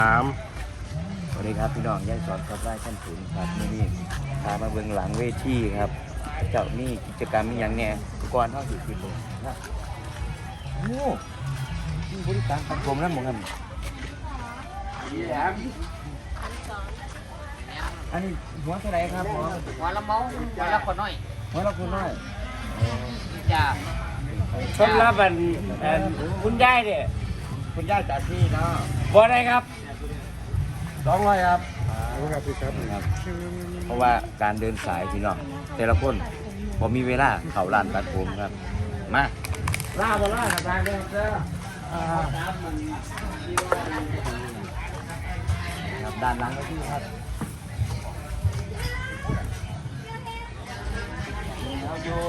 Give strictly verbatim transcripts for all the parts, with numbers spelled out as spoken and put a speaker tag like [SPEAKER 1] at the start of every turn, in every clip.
[SPEAKER 1] สาม
[SPEAKER 2] สวัสดีครับพี่น้องย่ายสอนครับไร่ขั้นถึงครับนี่นี่พามาเบื้องหลังเวทีครับเจ้านี่กิจกรรมมีอย่างแน่ก่อนเท่าสิบปีเลยนะโอ้นี่บริการตัดผมนั่นหมดครับอันนี้หัวเท่าไรครับหัว
[SPEAKER 3] หัวละเมาหัวละคนน้อย
[SPEAKER 2] หัวเราคุณน้อย
[SPEAKER 3] จ้า
[SPEAKER 1] ชนรับอันอันคุณยายเนี่ย
[SPEAKER 2] คุณย่าจ่าที่เนาะ
[SPEAKER 1] บ่ได้ครับ
[SPEAKER 2] สองร้อยครับ
[SPEAKER 1] ครับพี่ครับ
[SPEAKER 2] ครับ เพราะว่าการเดินสายพี่น้องแต่ละคนผมมีเวลาเข้าร้านตัดผมครับมา
[SPEAKER 1] ล่าบ่ล่าทางเด้อเด้อ
[SPEAKER 2] ครับด้านหลังก็ที่ครับเราอยู่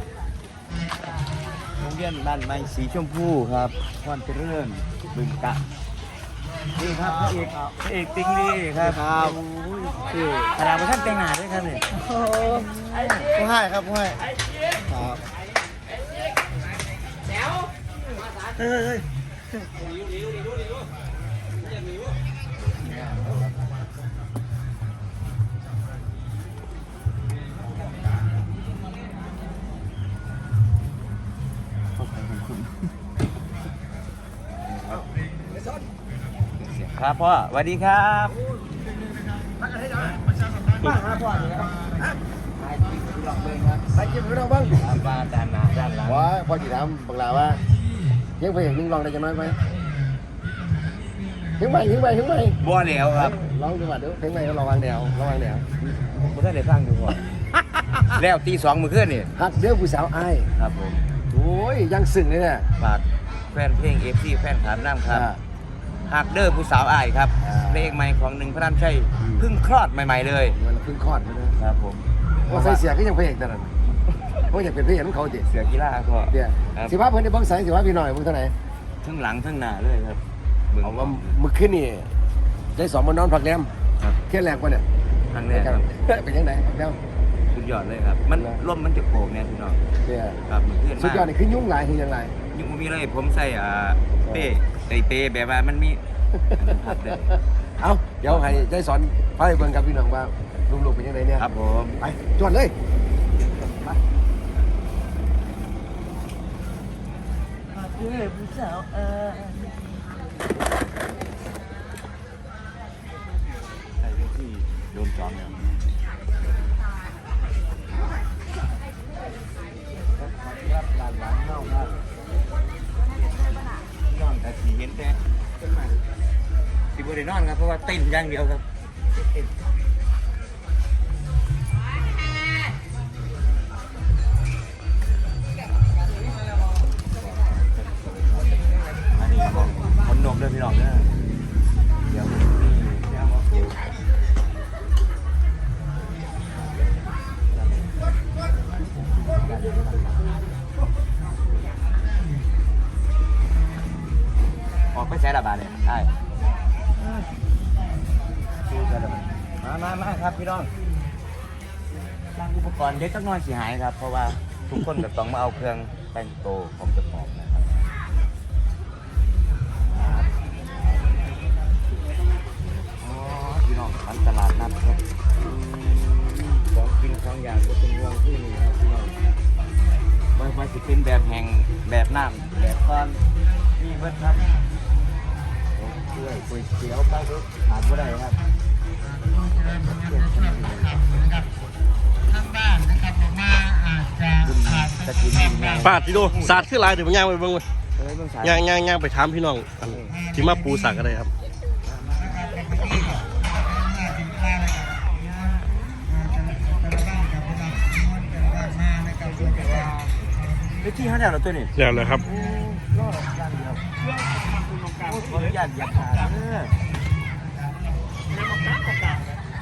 [SPEAKER 2] โรงเรียนบ้านไม้สีชมพูครับพรเจริญบึงกะนี่ครับพระเอกพระเอกติ๊งนี่ครับครับคือขนาดท่านแต่งหน้าด้วยครับเนี่ย
[SPEAKER 1] ผู้ให้ครับผู้ให้ครับเฮ้ยเฮ้ย
[SPEAKER 2] ครับพ่อสวัสดีครับมาครับพ่อนี่ครับถ่ายคลิปที่ลองเบิ่งครับ
[SPEAKER 1] ไปกินพี่น้องบ้าง
[SPEAKER 2] ครับว่าด้านหน้าด้านหลัง
[SPEAKER 1] ว่าพอจีถามบังลาว่ายังไปเห็นยังลองได้จะน้อยไหมถึงไปถึงไปถึงไป
[SPEAKER 2] บัวเหลวครับ
[SPEAKER 1] ลองดูว่าดูถึงไปก็ระวังแนวระวังแนว
[SPEAKER 2] ผมได้สร้างอยู่ก่อนแล้วตีสองมือขึ้นนี่
[SPEAKER 1] หักเดือผู้สาวไอ้
[SPEAKER 2] ครับผม
[SPEAKER 1] โอ้ยยังสึ่งเลยเนี่ย
[SPEAKER 2] ฝากแฟนเพลงเอฟซีแฟนขามน้ำครับ
[SPEAKER 1] อ่า
[SPEAKER 2] หักเดอร์ผู้สาวอายครับ
[SPEAKER 1] อ่า
[SPEAKER 2] เพลงใหม่ของหนึ่งพระรามชัยเพิ่งคลอดใหม่ๆเลย
[SPEAKER 1] มันเพิ่งคลอดมาเลย
[SPEAKER 2] ครับผม
[SPEAKER 1] ว่าใส่เสียก็ยังเพลงแต่นั้นเพราะอยากเป็นเพลงของเขาดิ
[SPEAKER 2] เสือกีฬาก็
[SPEAKER 1] เดี๋ยว
[SPEAKER 2] ครับ
[SPEAKER 1] สิว่าเพิ่นได้เบิ่งใส่สิว่าพี่หน่อยเบิ่งเท่าไหร่
[SPEAKER 2] ทั้งหลังทั้งหน้าเลยครับบิ่ง
[SPEAKER 1] เอาว่ามื้อคืนนี่ได้สองมานอนพักแรม
[SPEAKER 2] ครับ
[SPEAKER 1] เที่ยงแรกป่ะเนี่ย
[SPEAKER 2] ครั้งแรกครับ
[SPEAKER 1] เป็นยังไงแล้ว
[SPEAKER 2] สุดยอดเลยครับ มันร่มมันจะโป่งเนี่ยพี่น้อง
[SPEAKER 1] เนี่ย
[SPEAKER 2] ครับเหมือนเพื่อน
[SPEAKER 1] สุด
[SPEAKER 2] มาก
[SPEAKER 1] ยอดนี่คือยุ่งหลายคือยังไง
[SPEAKER 2] ยุ่งบ่มีเลยผมใส่อ่าเป้ไตเป้แบบว่ามันมีพัดเลย
[SPEAKER 1] เอาเดี๋ยวให้ได้สอนพาไปเบิ่งกับพี่น้องว่าลูกๆเป็นยังไงเนี่ย
[SPEAKER 2] ครับผม
[SPEAKER 1] ไปจวดเลยไป
[SPEAKER 2] เพื่อผู้สาวอายใส่ที่โดนจอมเนี่ยครับด้านหลังเข้าครับนอนแต่สีเห็นแต่ต้นไม้สิบได้นอนครับเพราะว่าเต้นอย่างเดียวครับอันนี้ของคนนมด้วยพี่น้องนะเดี๋ยวนี่เดี๋ยวมาดูออกไปใช้ระบาดเลยใช่ดูกันเลยมามามาครับพี่น้องสร้างอุปกรณ์เด็กจักหน้อยสิหายครับ เพราะว่าทุกคนก็ต้องมาเอาเครื่องแต่งโตวของเจ้าของนะครับอ๋อพี่น้องร้านตลาดนัดครับอืมของกินของอย่างก็เป็นห่วงที่นี่ครับพี่น้องไม่ว่าจะเป็นแบบแห้งแบบน้ำแบบก้อนนี่เบิดครับกล้วยก๋วยเตี๋ยวปลาดุกขาดไม่ได้ครับ
[SPEAKER 3] ทางบ้านนะครับผมมาอาจจะขาด
[SPEAKER 2] ตะกินนี่ไง
[SPEAKER 4] ปาดที่ดูสาดขึ้นลายเดี๋ยวมันย่างไปเบิ่งเว้ย
[SPEAKER 2] เอ้ยเบิ่งสาย
[SPEAKER 4] ย่างย่างย่างไปถามพี่น้องอันที่มาปูสักอะไรครับ
[SPEAKER 2] เฮ้ยที่เขาเนี่ยเราตัวนี้
[SPEAKER 4] เดี๋ยวเลยครับ
[SPEAKER 2] รอดอย่างเดียวโอ้ยขออนุญาตอยากถามเออมองนั่งกับใต้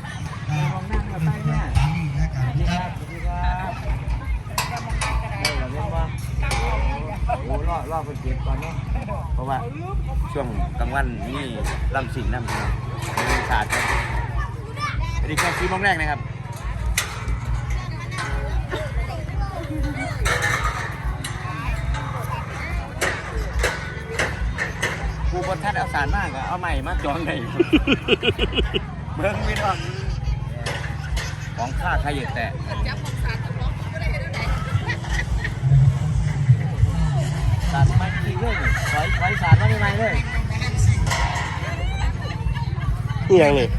[SPEAKER 2] เนี่ยสวัสดีครับสวัสดีครับเออเราเรียกว่าโอ้รอรอคนเก็บก่อนเนาะเพราะว่าช่วงกลางวันนี่ลำสิ่งน้ำสิ่งมีศาสตร์ครับสวัสดีครับซีโมงแรกนะครับผู้บนท่านเอาสารมากอะเอาใหม่มาจองได้เบิ้งไม่ต้องของข้าใครอยู่แต่สารไม่ดีเลยถอยถอยสารมาไม่ไหมเลย
[SPEAKER 4] นี่ยังเลย